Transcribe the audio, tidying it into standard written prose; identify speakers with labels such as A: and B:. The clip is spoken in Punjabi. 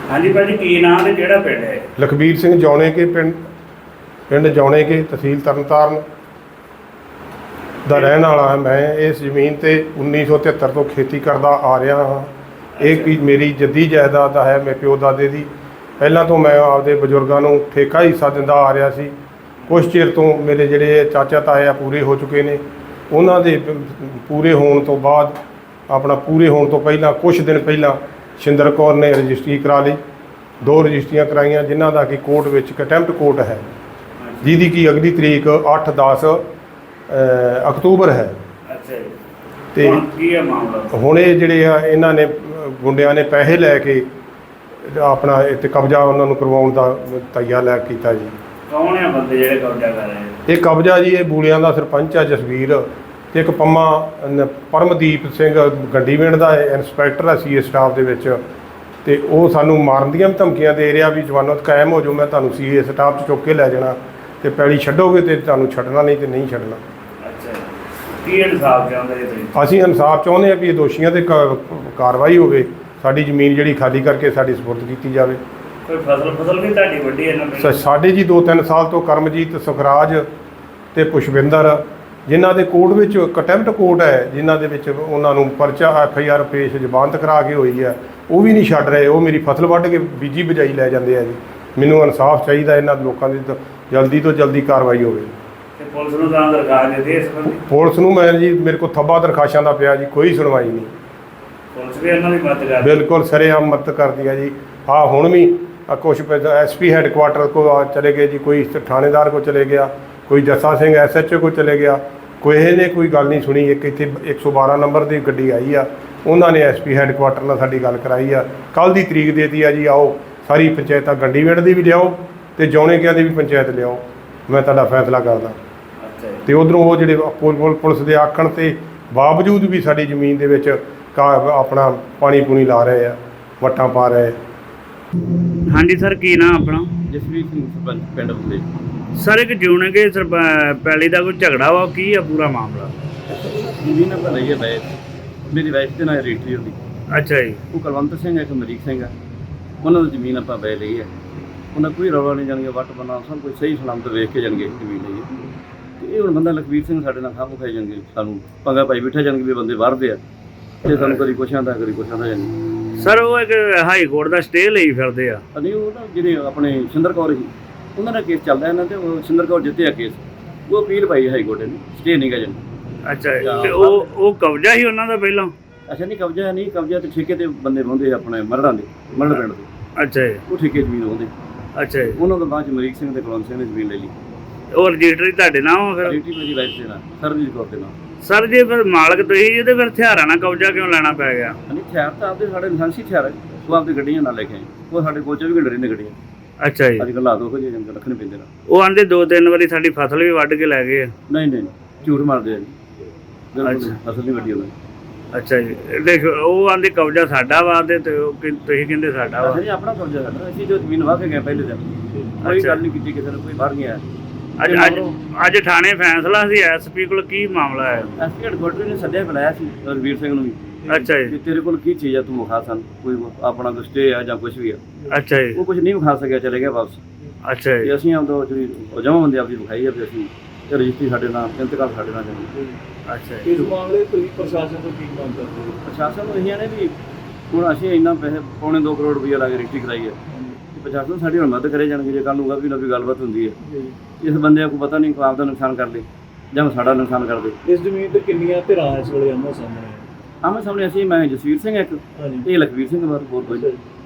A: हाँ जी भाजी की नाम है केड़ा पिंड है?
B: लखबीर सिंह जौने के पिंड जौने के तहसील तरनताਰਨ ਦਾ ਰਹਿਣ ਵਾਲਾ ਹਾਂ। ਮੈਂ ਇਸ ਜ਼ਮੀਨ ਤੇ 1973 ਤੋਂ ਖੇਤੀ ਕਰਦਾ ਆ ਰਿਹਾ ਹਾਂ। ਇਹ ਕੀ ਮੇਰੀ ਜੱਦੀ ਜਾਇਦਾਦ ਹੈ, ਮੇਰੇ ਪਿਓ ਦਾਦੇ ਦੀ। ਪਹਿਲਾਂ ਤੋਂ ਮੈਂ ਆਪਦੇ ਬਜ਼ੁਰਗਾਂ ਨੂੰ ਠੇਕਾ ਹਿੱਸਾ ਦਿੰਦਾ ਆ ਰਿਹਾ ਸੀ। ਕੁਝ ਚਿਰ ਤੋਂ ਮੇਰੇ ਜਿਹੜੇ ਚਾਚਾ ਤਾਏ ਆ ਪੂਰੇ ਹੋ ਚੁੱਕੇ ਨੇ। ਉਹਨਾਂ ਦੇ ਪੂਰੇ ਹੋਣ ਤੋਂ ਬਾਅਦ ਆਪਣਾ ਪੂਰੇ ਹੋਣ ਤੋਂ ਪਹਿਲਾਂ ਕੁਝ ਦਿਨ ਪਹਿਲਾਂ ਸ਼ਿੰਦਰ ਕੌਰ ਨੇ ਰਜਿਸਟਰੀ ਕਰਾ ਲਈ। 2 ਰਜਿਸਟਰੀਆਂ ਕਰਾਈਆਂ ਜਿਨ੍ਹਾਂ ਦਾ ਕਿ ਕੋਰਟ ਵਿੱਚ ਕੰਟੈਂਪਟ ਕੋਰਟ ਹੈ, ਜਿਹਦੀ ਕਿ ਅਗਲੀ ਤਰੀਕ 8-10 ਅਕਤੂਬਰ ਹੈ।
A: अच्छा जी।
B: ਤੇ
A: की है मामला?
B: ਹੁਣ ਇਹ ਜਿਹੜੇ ਆ ਇਹਨਾਂ ਨੇ ਗੁੰਡਿਆਂ ਨੇ ਪੈਸੇ ਲੈ ਕੇ ਆਪਣਾ ਇੱਥੇ ਕਬਜ਼ਾ ਉਹਨਾਂ ਨੂੰ ਕਰਵਾਉਣ ਦਾ ਤਈਆ ਲੈ ਕੀਤਾ ਜੀ।
A: कौन है बंदे जेड़े कब्जा कर रहे हैं?
B: ਇਹ ਕਬਜ਼ਾ ਜੀ ਇਹ ਬੂਲਿਆਂ ਦਾ ਸਰਪੰਚ ਆ ਜਸਵੀਰ, ਤੇ ਇੱਕ ਪਰਮਦੀਪ ਸਿੰਘ ਗੰਡੀਵਿੰਡ ਦਾ ਇੰਸਪੈਕਟਰ ਆ ਸੀਏ ਸਟਾਫ ਦੇ ਵਿੱਚ। ਤੇ ਉਹ ਸਾਨੂੰ ਮਾਰਨ ਦੀਆਂ ਵੀ ਧਮਕੀਆਂ ਦੇ ਰਿਹਾ ਵੀ ਜਵਾਨਤ ਕਾਇਮ ਹੋ ਜਾਓ, ਮੈਂ ਤੁਹਾਨੂੰ ਸੀਏ ਸਟਾਫ 'ਚ ਚੁੱਕ ਕੇ ਲੈ ਜਾਣਾ, ਤੇ ਪੈਲੀ ਛੱਡੋਗੇ ਤੇ ਤੁਹਾਨੂੰ ਛੱਡਣਾ, ਨਹੀਂ ਤੇ ਨਹੀਂ ਛੱਡਣਾ।
A: अच्छा की इंसाफ चाहते जी तुसीं?
B: ਅਸੀਂ ਇਨਸਾਫ ਚਾਹੁੰਦੇ ਹਾਂ ਵੀ ਇਹ ਦੋਸ਼ੀਆਂ ਤੇ ਕਾਰਵਾਈ ਹੋਵੇ, ਸਾਡੀ ਜ਼ਮੀਨ ਜਿਹੜੀ ਖਾਲੀ ਕਰਕੇ ਸਾਡੀ ਸਪੁਰਦ ਕੀਤੀ ਜਾਵੇ।
A: कोई फसल भी ਤੁਹਾਡੀ ਵੱਡੀ ਹੈ ਨਾ?
B: ਸਾਡੇ ਜੀ 2-3 ਸਾਲ ਤੋਂ ਕਰਮਜੀਤ, ਸੁਖਰਾਜ ਤੇ ਪੁਸ਼ਪਿੰਦਰ, ਜਿਨ੍ਹਾਂ ਦੇ ਕੋਰਟ ਵਿੱਚ ਕੰਟੈਂਪਟ ਕੋਰਟ ਹੈ, ਜਿਨ੍ਹਾਂ ਦੇ ਵਿੱਚ ਉਹਨਾਂ ਨੂੰ ਪਰਚਾ FIR ਪੇਸ਼ ਜ਼ਮਾਨਤ ਕਰਾ ਕੇ ਹੋਈ ਹੈ, ਉਹ ਵੀ ਨਹੀਂ ਛੱਡ ਰਹੇ। ਉਹ ਮੇਰੀ ਫਸਲ ਵੱਢ ਕੇ ਬੀਜੀ ਬਜਾਈ ਲੈ ਜਾਂਦੇ ਆ ਜੀ। ਮੈਨੂੰ ਇਨਸਾਫ ਚਾਹੀਦਾ, ਇਹਨਾਂ ਲੋਕਾਂ ਦੀ ਜਲਦੀ ਤੋਂ ਜਲਦੀ ਕਾਰਵਾਈ ਹੋਵੇ।
A: ਤੇ ਪੁਲਿਸ ਨੂੰ ਤਾਂ ਦਰਖਾਸਤ ਦਿੱਤੀ ਇਸ ਸੰਬੰਧੀ?
B: ਪੁਲਿਸ ਨੂੰ ਮੈਂ ਜੀ ਮੇਰੇ ਕੋਲ ਥੱਬਾ ਦਰਖਾਸ਼ਾਂ ਦਾ ਪਿਆ ਜੀ, ਕੋਈ ਸੁਣਵਾਈ ਨਹੀਂ।
A: ਪੁਲਿਸ ਵੀ ਇਹਨਾਂ ਦੀ ਮਦਦ ਕਰਦੀ?
B: ਬਿਲਕੁਲ ਸਰੇਆਮ ਮਦਦ ਕਰਦੀ ਹੈ ਜੀ। ਹਾਂ ਹੁਣ ਵੀ ਕੁਛ SP ਹੈੱਡਕੁਆਟਰ ਕੋ ਚਲੇ ਗਏ ਜੀ, ਕੋਈ ਥਾਣੇਦਾਰ ਕੋ ਚਲੇ ਗਿਆ, ਕੋਈ ਜੱਸਾ ਸਿੰਘ SHO ਕੋ ਚਲੇ ਗਿਆ, ਕੋਈ ਨੇ ਕੋਈ ਗੱਲ ਨਹੀਂ ਸੁਣੀ। ਇੱਕ ਇੱਥੇ 112 ਨੰਬਰ ਦੀ ਗੱਡੀ ਆਈ ਆ, ਉਹਨਾਂ ਨੇ SP ਹੈੱਡਕੁਆਟਰ ਨਾਲ ਸਾਡੀ ਗੱਲ ਕਰਾਈ ਆ। ਕੱਲ੍ਹ ਦੀ ਤਰੀਕ ਦੇਤੀ ਆ ਜੀ, ਆਓ ਸਾਰੀ ਪੰਚਾਇਤਾਂ ਗੰਡੀਵਿੰਡ ਦੀ ਵੀ ਲਿਆਓ ਤੇ ਜੌਣੇਕਿਆਂ ਦੀ ਵੀ ਪੰਚਾਇਤ ਲਿਆਓ, ਮੈਂ ਤੁਹਾਡਾ ਫੈਸਲਾ ਕਰਦਾ।
A: ਅੱਛਾ ਜੀ।
B: ਤੇ ਉਧਰੋਂ ਉਹ ਜਿਹੜੇ ਪੁਲਿਸ ਦੇ ਆਖਣ ਤੇ ਬਾਵਜੂਦ ਵੀ ਸਾਡੀ ਜ਼ਮੀਨ ਦੇ ਵਿੱਚ ਆਪਣਾ ਪਾਣੀ ਪੂਣੀ ਲਾ ਰਹੇ ਆ, ਵੱਟਾਂ ਪਾ ਰਹੇ।
A: ਹਾਂਜੀ ਸਰ, ਕੀ ਨਾਮ ਆਪਣਾ?
C: ਜਸਵੀਰ ਸਿੰਘ ਸਰਪੰਚ ਪਿੰਡ ਬੁੱਲੇ।
A: ਸਰ ਇੱਕ ਜਿਉਣਗੇ ਪੈਲੀ ਦਾ ਕੋਈ ਝਗੜਾ ਵਾ, ਕੀ ਆ ਪੂਰਾ ਮਾਮਲਾ?
C: ਜ਼ਮੀਨ ਆਪਾਂ ਲਈ ਹੈ ਵੈਸ, ਮੇਰੀ ਵਾਈਫ ਦੇ ਨਾਲ ਰਜਿਸਟਰੀ ਹੁੰਦੀ।
A: ਅੱਛਾ ਜੀ।
C: ਉਹ ਕੁਲਵੰਤ ਸਿੰਘ ਹੈ, ਇੱਕ ਅਮਰੀਕ ਸਿੰਘ ਹੈ, ਉਹਨਾਂ ਦੀ ਜ਼ਮੀਨ ਆਪਾਂ ਵੈ ਲਈ ਹੈ। ਉਹਨਾਂ ਕੋਈ ਰੌਲਾ ਨਹੀਂ, ਜਾਣਗੇ ਵੱਟ ਬਣਾ ਸਭ ਕੁਝ ਸਹੀ ਸਲਾਮਤ ਵੇਖ ਕੇ ਜਾਣਗੇ ਜ਼ਮੀਨ ਲਈ। ਤੇ ਇਹ ਹੁਣ ਬੰਦਾ ਲਖਬੀਰ ਸਿੰਘ ਸਾਡੇ ਨਾਲ ਖਾਂ ਖਾਈ ਜਾਣਗੇ, ਸਾਨੂੰ ਪੰਗਾ ਪਾਈ ਬੈਠਾ ਜਾਣਗੇ ਵੀ ਬੰਦੇ ਵੜਦੇ ਆ, ਤੇ ਸਾਨੂੰ ਕਦੀ ਕੁਛ ਆਉਂਦਾ ਕਦੀ ਕੁਛ ਆਉਂਦਾ ਜਾਣਗੇ।
A: ਸਰ ਉਹ ਇੱਕ ਹਾਈ ਕੋਰਟ ਦਾ ਸਟੇ ਲਈ ਫਿਰਦੇ ਆ?
C: ਨਹੀਂ, ਉਹ ਨਾ ਜਿਹੜੇ ਆਪਣੇ ਸ਼ਿੰਦਰ ਕੌਰ ਸੀ, ਉਹਨਾਂ ਦਾ ਕੇਸ ਚੱਲਦਾ ਇਹਨਾਂ ਤੇ। ਉਹ ਸ਼ਿੰਦਰ ਕੌਰ ਜਿੱਤਿਆ ਕੇਸ, ਉਹ ਅਪੀਲ ਪਾਈ ਹਾਈ ਕੋਰਟ ਨੇ, ਸਟੇ ਨਹੀਂ ਗਾ ਜਾਣੀ।
A: ਅੱਛਾ ਜੀ। ਤੇ ਉਹ ਕਬਜ਼ਾ ਹੀ ਉਹਨਾਂ ਦਾ ਪਹਿਲਾਂ?
C: ਅੱਛਾ ਨਹੀਂ, ਕਬਜ਼ਾ ਨਹੀਂ, ਕਬਜ਼ਾ ਤੇ ਠੇਕੇ ਤੇ ਬੰਦੇ ਹੁੰਦੇ ਆਪਣੇ ਮਰੜਾਂ ਦੇ, ਮਰੜ ਪਿੰਡ ਦੇ।
A: ਅੱਛਾ ਜੀ।
C: ਉਹ ਠੇਕੇ ਜ਼ਮੀਨ ਹੁੰਦੇ।
A: ਅੱਛਾ ਜੀ।
C: ਉਹਨਾਂ ਤੋਂ ਬਾਅਦ ਚ ਅਮਰੀਕ ਸਿੰਘ ਤੇ ਕੁਲਵੰਤ ਸਿੰਘ ਨੇ ਜ਼ਮੀਨ ਲੈ ਲਈ।
A: ਉਹ ਰਜਿਸਟਰੀ ਤੁਹਾਡੇ ਨਾਮ ਫਿਰ?
C: ਰਜਿਸਟਰੀ ਮੇਰੀ ਵਾਈਫ ਦੇ ਨਾਲ, ਸਰਬਜੀਤ ਕੌਰ ਦੇ ਨਾਲ।
A: ਸਰ ਜੇ ਫਿਰ ਮਾਲਕ ਤੁਸੀਂ ਜੀ, ਤੇ ਫਿਰ ਹਥਿਆਰਾਂ ਨਾਲ ਕਬਜ਼ਾ ਕਿਉਂ ਲੈਣਾ ਪੈ ਗਿਆ?
C: ਨਹੀਂ, ਹਥਿਆਰ ਤਾਂ ਆਪਦੇ ਸਾਡੇ ਲਾਇਸੈਂਸੀ ਹਥਿਆਰ ਹੈ, ਉਹ ਆਪਦੀ ਗੱਡੀਆਂ ਨਾਲ ਲੈ ਕੇ ਆਏ। ਉਹ ਸਾਡੇ ਕੋਲ 24 ਘੰਟੇ ਰਹਿੰਦੇ ਗੱਡੀਆਂ।
A: ਅੱਛਾ ਜੀ।
C: ਅੱਜ ਕੱਲ੍ਹ ਹਾਲਾਤ ਉਹ ਜਿਹੇ ਜੰਗ ਰੱਖਣੇ ਪੈਂਦੇ ਨੇ।
A: ਉਹ ਆਂਦੇ 2-3 ਵਾਰੀ ਸਾਡੀ ਫਸਲ ਵੀ ਵੱਢ ਕੇ ਲੈ ਗਏ ਆ।
C: ਨਹੀਂ ਨਹੀਂ, ਝੂਠ ਮਾਰਦੇ ਆ ਜੀ।
A: ਅੱਛਾ।
C: ਫਸਲ ਨਹੀਂ ਵੱਡੀ ਉਹਨਾਂ
A: ਅੱਛਾ ਜੀ। ਦੇਖੋ ਉਹ ਆਂਦੇ ਕਬਜ਼ਾ ਸਾਡਾ ਵਾ, ਤੇ ਤੁਸੀਂ ਕਹਿੰਦੇ ਸਾਡਾ ਵਾ।
C: ਨਹੀਂ, ਆਪਣਾ ਕਬਜ਼ਾ ਸਾਡਾ। ਅਸੀਂ ਜੋ ਜ਼ਮੀਨ ਵਾਹ ਕੇ ਗਏ ਪਹਿਲੇ ਦਿਨ, ਕੋਈ ਗੱਲ ਨਹੀਂ ਕੀਤੀ ਕਿਸੇ ਨੇ, ਕੋਈ ਬਾਹਰ ਨਹੀਂ ਆਇਆ।
A: ਅੱਜ ਥਾਣੇ ਫੈਸਲਾ ਸੀ SP ਕੋਲ, ਕੀ ਮਾਮਲਾ ਹੈ?
C: SP ਹੈੱਡਕੁਆਟਰ ਨੇ ਸੱਦਿਆ, ਬੁਲਾਇਆ ਸੀ ਰਵੀਰ ਸਿੰਘ ਨੂੰ ਵੀ।
A: ਅੱਛਾ ਜੀ।
C: ਤੇਰੇ ਕੋਲ ਕੀ ਚੀਜ਼ ਆ, ਤੂੰ ਵਿਖਾ ਸਾਨੂੰ, ਕੋਈ ਆਪਣਾ ਕੋਈ ਸਟੇ ਆ ਜਾਂ ਕੁਝ ਵੀ ਆ।
A: ਅੱਛਾ ਜੀ।
C: ਉਹ ਕੁਝ ਨਹੀਂ ਵਿਖਾ ਸਕਿਆ, ਚਲੇ ਗਿਆ ਵਾਪਸ।
A: ਅੱਛਾ ਜੀ।
C: ਤੇ ਅਸੀਂ ਆਉਂਦਾ ਜਿਹੜੀ ਜਮ੍ਹਾਂ ਬੰਦੇ ਆਪਦੀ ਵਿਖਾਈ ਆ, ਵੀ ਅਸੀਂ ਰਜਿਸਟਰੀ ਸਾਡੇ ਨਾਲ, ਇੰਤਕਾਲ ਸਾਡੇ ਨਾਲ ਜਾਂਦੇ।
A: ਅੱਛਾ ਜੀ।
D: ਇਸ ਮਾਮਲੇ ਤੁਸੀਂ ਪ੍ਰਸ਼ਾਸਨ ਤੋਂ ਕੀ ਮੰਗ ਕਰਦੇ ਹੋ?
C: ਪ੍ਰਸ਼ਾਸਨ ਨੂੰ ਇਹ ਨੇ ਵੀ ਹੁਣ ਅਸੀਂ ਇੰਨਾ ਪੈਸੇ ਪੌਣੇ 2 ਕਰੋੜ ਰੁਪਈਆ ਲਾ ਕੇ ਰਜਿਸਟਰੀ ਕਰਾਈ ਹੈ, ਪ੍ਰਸ਼ਾਸਨ ਸਾਡੀ ਹੁਣ ਮਦਦ ਕਰੇ ਜਾਣਗੇ। ਜੇ ਕੱਲ੍ਹ ਨੂੰ ਵੀ ਨਾ ਵੀ ਗੱਲਬਾਤ ਹੁੰਦੀ ਹੈ, ਇਸ ਬੰਦੇ ਨੂੰ ਪਤਾ ਨਹੀਂ ਕੋਈ ਆਪਦਾ ਨੁਕਸਾਨ ਕਰ ਲੇ ਜਾਂ ਸਾਡਾ ਨੁਕਸਾਨ ਕਰ ਦੇ।
D: ਇਸ ਜ਼ਮੀਨ ਤੇ ਕਿੰਨੀਆਂ ਧਿਰਾਂ ਇਸ ਵੇਲੇ ਆਮੋ ਸਾਹਮਣੇ?
C: ਆਮੋ ਸਾਹਮਣੇ ਅਸੀਂ, ਮੈਂ ਜਸਵੀਰ ਸਿੰਘ ਇੱਕ,
D: ਹਾਂਜੀ।
C: ਇਹ ਲਖਬੀਰ ਸਿੰਘ ਬਾਰੇ ਹੋਰ ਕੋਈ।